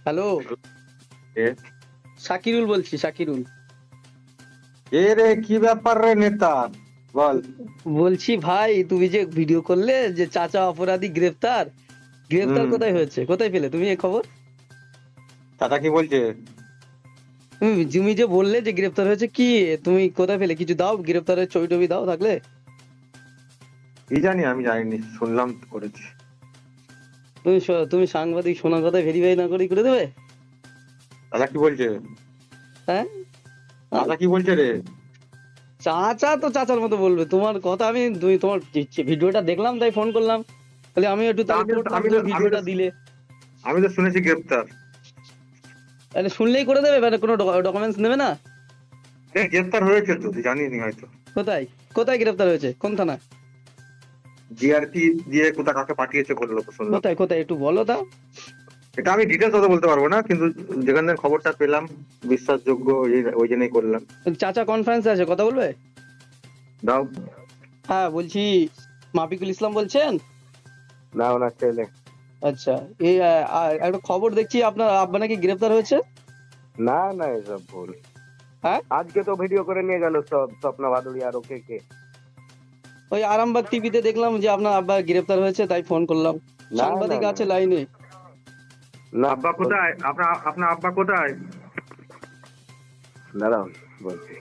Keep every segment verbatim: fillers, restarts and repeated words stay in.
Hello, কে? শাকিরুল বলছি, শাকিরুল। এ রে, কি ব্যাপার রে নেতা? বল। বলছি ভাই, তুমি যে ভিডিও করলে যে চাচা অপরাধী গ্রেফতার, গ্রেফতার হুম। কোথায় হয়েছে, কোথায় পেলে তুমি এই খবর? চাচা কি বলছে? তুমি তুমি যে বললে যে গ্রেফতার হয়েছে, কি তুমি কোথায় পেলে? কিছু দাও, গ্রেফতারের ছবি টবি দাও থাকলে। কি জানি, আমি জানিনি, শুনলাম তো করেছি। তুমি স- তুমি সাংবাদিক, শোনা কথা ভেরিফাই না করে করে দেবে? চাচা কি বলছে? হ্যাঁ, চাচা কি বলছে রে? চাচা তো চাচার মতো বলবে, তোমার কথা আমি, তুমি তোমার ভিডিওটা দেখলাম তাই ফোন করলাম, তাহলে আমি একটু তাহলে আমি তো- করতাম, আমি তুমি তো- আমি ভিডিওটা তো- দিলে। আমি তো শুনেছি গ্রেপ্তার। তাহলে শুনলেই করে দেবে, মানে কোনো ডকুমেন্টস নেবে না? এ, গ্রেপ্তার হয়েছে তো, তুই জানিস নি হয়তো। কোথায় কোথায় গ্রেফতার হয়েছে, কোন থানা? জিআরপি দিয়ে কোথা কাকে পাঠিয়েছে বললো তো, শুনলাম। কোথায় কোথায় একটু বলো দাও। এটা আমি ডিটেলস অত বলতে পারবো না, কিন্তু যেখান থেকে খবরটা পেলাম বিশ্বাসযোগ্য, ওই- ওই জন্যই করলাম। চাচা কনফারেন্সে আছে, কথা বলবে? দাও। হ্যাঁ, বলছি মাফিকুল ইসলাম বলছেন? না, ওনার ছেলে। আচ্ছা, এই আহ, আর একটা খবর দেখছি, আপনার আব্বা নাকি গ্রেফতার হয়েছে। না না, এসব ভুল। হ্যাঁ, আজকে তো ভিডিও করে নিয়ে গেল সব, স্বপ্না ভাদুড়ি আর ওকে কে। ওই আরামবাগ টিভিতে দেখলাম যে আপনার আব্বা গ্রেফতার হয়েছে, তাই ফোন করলাম। না, সাংবাদিক না, আছে না। লাইনে। না, আব্বা কোথায়? আপনার আপনার আব্বা কোথায়? দাঁড়াও, বলছি।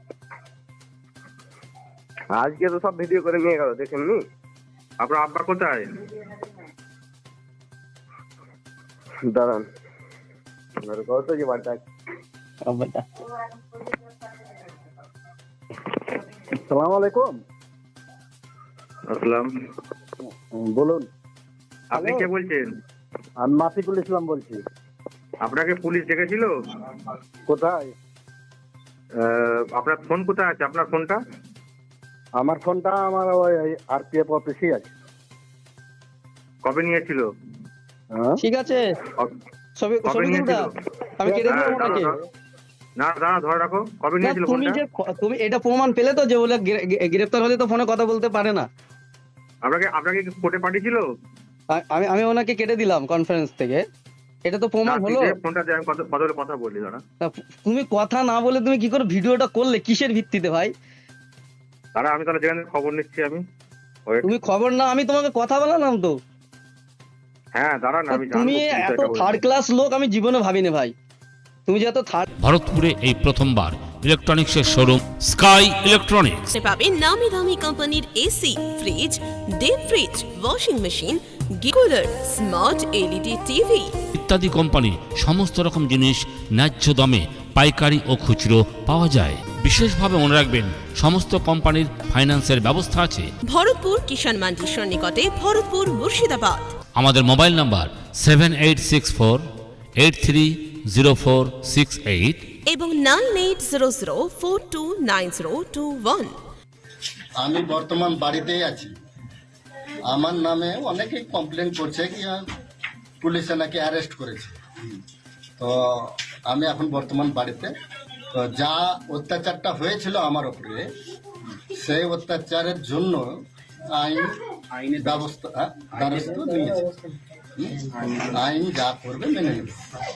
আজকে তো সব ভিডিও করে নিয়ে গেল, দেখেননি? আপনার আব্বা কোথায়? দাঁড়ান, এবারে কত যে বার্তা। আব্বাটা সালাম আলাইকুম। আসসালাম। বলুন। আপনি কে বলছেন? আমি মাফিকুল ইসলাম বলছি। আপনাকে পুলিশ ডেকেছিল? কোথায়? আহ, আপনার ফোন কোথায় আছে? আপনার ফোনটা? আমার ফোনটা আমার ওই আরপিএফ অফিসে আছে। কবে নিয়েছিল? হ্যাঁ? ঠিক আছে, ছবি কবে ছবি নিয়েছিল? তুলটা আমি কেটে হ্যাঁ, দিলাম দাঁড়াও, ওনাকে। দাঁড়াও। না, দাঁড়া, ধরে রাখো। কবে না, নিয়েছিল তুমি ফোনটা? যে তুমি এটা প্রমাণ পেলে তো যে বলে গ্রে- গ্রে- গ্রেফতার হলে তো ফোনে কথা বলতে পারে না। আপনাকে আপনাকে কি কোর্টে পাঠিয়েছিল? আ- আমি আমি ওনাকে কেটে দিলাম কনফারেন্স থেকে, এটা তো না, প্রমাণ তুই হলো। দে ফোনটা দিয়ে, আমি কথা কথা বলে কথা বলি, দাঁড়া। তা তুমি কথা না বলে তুমি কি করে ভিডিওটা করলে, কিসের ভিত্তিতে ভাই? দাঁড়া, আমি তাহলে যেখানে খবর নিচ্ছি আমি। Wait. তুমি খবর না, আমি তোমাকে কথা বলালাম তো। হ্যাঁ, দাঁড়া না, আমি তুমি জানবো কি এত এটা বলছে। থার্ড ক্লাস লোক আমি জীবনে ভাবিনি ভাই, তুমি যে এত থার্ড। ভারতপুরে এই প্রথমবার ইলেকট্রনিক্সের শোরুম স্কাই ইলেকট্রনিক্স। আপনি পাবেন নামি দামি কোম্পানির AC, fridge, deep fridge, washing machine, cooler, smart LED TV ইত্যাদি কোম্পানির সমস্ত রকম জিনিস ন্যায্য দামে পাইকারি ও খুচরো পাওয়া যায়। বিশেষভাবে মনে রাখবেন, সমস্ত কোম্পানির ফাইন্যান্সের ব্যবস্থা আছে। ভরতপুর কিষাণ মান্ডির সন্নিকটে, ভরতপুর, মুর্শিদাবাদ। আমাদের mobile number seven eight six four eight three zero four six eight এবং nine eight zero zero four two nine zero two one. আমি বর্তমান বাড়িতেই আছি। আমার নামে অনেকেই কমপ্লেন করছে কি আহ, পুলিশে নাকি অ্যারেস্ট করেছে। তো আমি এখন বর্তমান বাড়িতে। তো যা অত্যাচারটা হয়েছিল আমার উপরে, সেই অত্যাচারের জন্য আইন আইনি ব্যবস্থা আহ, ব্যবস্থা নিয়েছে। হুম? আইন যা করবে মেনে নেবে।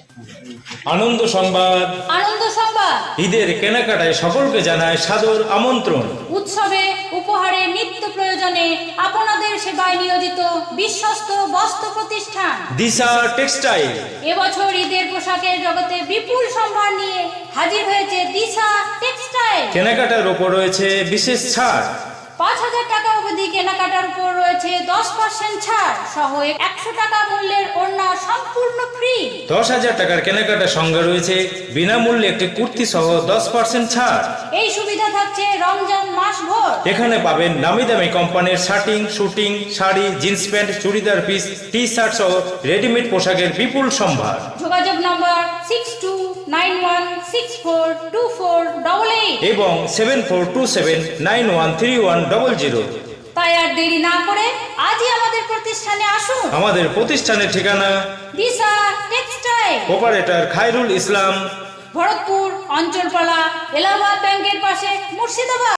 আনন্দ সংবাদ। আনন্দ সংবাদ। ঈদের কেনাকাটায় সকলকে জানায় সাদর আমন্ত্রণ। উৎসবে উপহারে নিত্য প্রয়োজনে আপনাদের সেবায় নিয়োজিত বিশ্বস্ত বস্ত্র প্রতিষ্ঠান দিশা টেক্সটাইল। এবছর ঈদের পোশাকের জগতে বিপুল সম্ভার নিয়ে হাজির হয়েছে দিশা টেক্সটাইল। কেনাকাটার ওপর রয়েছে বিশেষ ছাড়। পাঁচ হাজার টাকা অবধি কেনাকাটার উপর রয়েছে দশ পার্সেন্ট ছাড় সহ একশো টাকা মূল্যের ওড়না সম্পূর্ণ ফ্রি। দশ হাজার টাকার কেনাকাটার সঙ্গে রয়েছে বিনামূল্যে একটি কুর্তি সহ দশ পার্সেন্ট ছাড়। এই সুবিধা থাকছে রমজান মাস ভোর। এখানে পাবেন নামি দামি কোম্পানির shirting, suiting, sari, jeans pant, churidar piece, T shirt সহ রেডিমেড পোশাকের বিপুল সম্ভার। যোগাযোগ number six two nine one six four two four double eight এবং seven four two seven nine one three one double zero. তাই আর দেরি না করে আজই আমাদের প্রতিষ্ঠানে আসুন। আমাদের প্রতিষ্ঠানের ঠিকানা দিশা টেক্সটাইল, অপারেটর খায়রুল ইসলাম, ভরতপুর অঞ্চলপালা, এলাহাবাদ ব্যাংকের পাশে, মুর্শিদাবাদ।